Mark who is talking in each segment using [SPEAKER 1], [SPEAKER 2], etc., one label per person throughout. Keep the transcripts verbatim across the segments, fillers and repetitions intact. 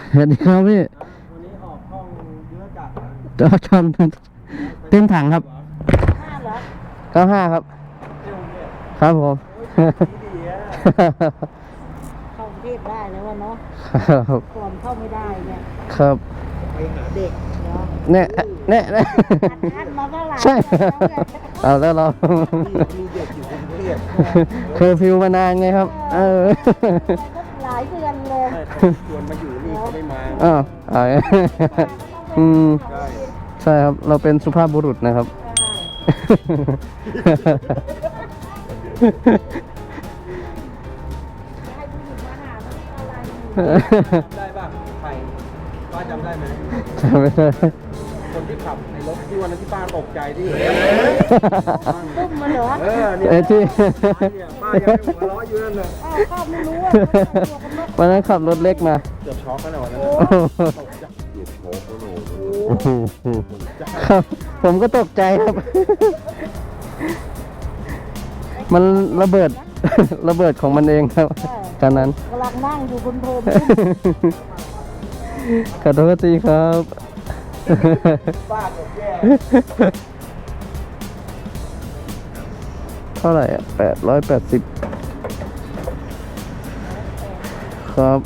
[SPEAKER 1] สวัสดีครับพี่
[SPEAKER 2] วันนี้ออกห้องเยอะจัด
[SPEAKER 1] จอชนเต็มถังครับ
[SPEAKER 3] ห้าเหรอ
[SPEAKER 1] เก้าห้าครับครับผม
[SPEAKER 2] ดีอ่ะ
[SPEAKER 3] เข้ากรุงเทพได้แล้ววะเนาะ
[SPEAKER 1] ครับ
[SPEAKER 3] ก่อนเข้าไม่ได้เนี่ย
[SPEAKER 1] ครับ
[SPEAKER 2] ไปหาเด็ก
[SPEAKER 1] เนี่ยเนี่ยเนี่ย
[SPEAKER 3] อันมาเท่าไหร่
[SPEAKER 1] ใช่เอาแล้วเรา
[SPEAKER 2] มีเด็กอยู่กรุงเทพ
[SPEAKER 1] เคยฟิวมานานไงครับเออ
[SPEAKER 3] หลายเดือนเลย
[SPEAKER 2] ชวนมาอยู่นี่เขาไม่มา
[SPEAKER 1] อ้าวอ๋ออืมใช่ครับเราเป็นสุภาพบุรุษนะครับ
[SPEAKER 2] ได้ป่ะใครป้าจำได้ไหม
[SPEAKER 1] จำไม่ได้
[SPEAKER 2] คนที่ขับในรถที่วันนั้นที่ป้าตกใจที่
[SPEAKER 3] ตุ้มมาเหรอ
[SPEAKER 2] เออเนี่ย
[SPEAKER 1] ที่
[SPEAKER 2] ป้ายังหัวเราะอยู่นั่นเลย
[SPEAKER 3] อ้าวข้าไม่รู้ว่า
[SPEAKER 1] วันนั้นขับรถเล็กมา
[SPEAKER 2] เกือบช็อกกันเลยวันนั้นตกใจเกือบช็อกกันเลย
[SPEAKER 1] ครับผมก็ตกใจครับมันระเบิดระเบิดของมันเองครับตอนนั้น
[SPEAKER 3] กำลังนั่งอยู่บนโพรม
[SPEAKER 1] ขอโทษทีครับ
[SPEAKER 2] ป้าตกแย่
[SPEAKER 1] เท่าไหร่อ่ะแปดร้อยแปดสิบครับ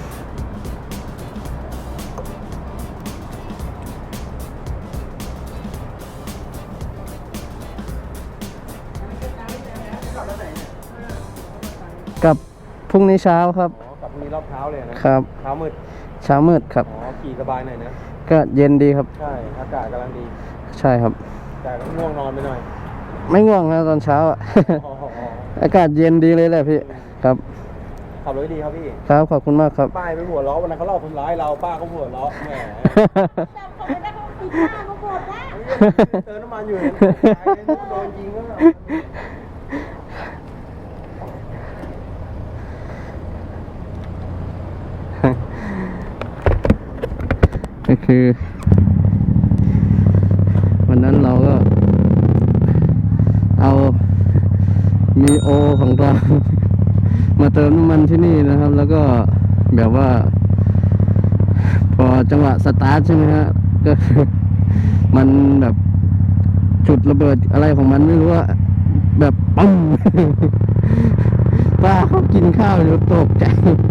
[SPEAKER 1] กับพรุ่งนี้เช้าครับ
[SPEAKER 2] กับพรุ่งนี้รอบเช้าเลยนะครับเช้ามืด
[SPEAKER 1] เช้ามืดครับ
[SPEAKER 2] อ๋อขี่สบายหน่อยนะ
[SPEAKER 1] ก็เย็นดีครับ
[SPEAKER 2] ใช่อากาศกำลังดี
[SPEAKER 1] ใช่ครับ
[SPEAKER 2] แต่ก็ง่วงนอนไปหน่อย
[SPEAKER 1] ไม่ง่วงนะตอนเช้าอ่ะอากาศเย็นดีเลยแหละพี่ครับ
[SPEAKER 2] ขับรถดีครับพี่
[SPEAKER 1] ครับขอบคุณมากครับ
[SPEAKER 2] ป้ายไปหัวล้อวันนั้นเขาเล่าทำร้ายเราป้าก็หัวล้อแหม
[SPEAKER 3] เขาไม่ได้เขาปิดหน้าเขาหมดนะ
[SPEAKER 2] เติมน้ำมันอยู่โดนยิงก็
[SPEAKER 1] ก็คือวันนั้นเราก็เอามีโอของเรามาเติมน้ำมันที่นี่นะครับ แล้วก็แบบว่าพอจังหวะสตาร์ทใช่ไหมฮะก็มันแบบจุดระเบิดอะไรของมันไม่รู้ว่าแบบปังป้าเขากินข้าวอยู่ตกใจ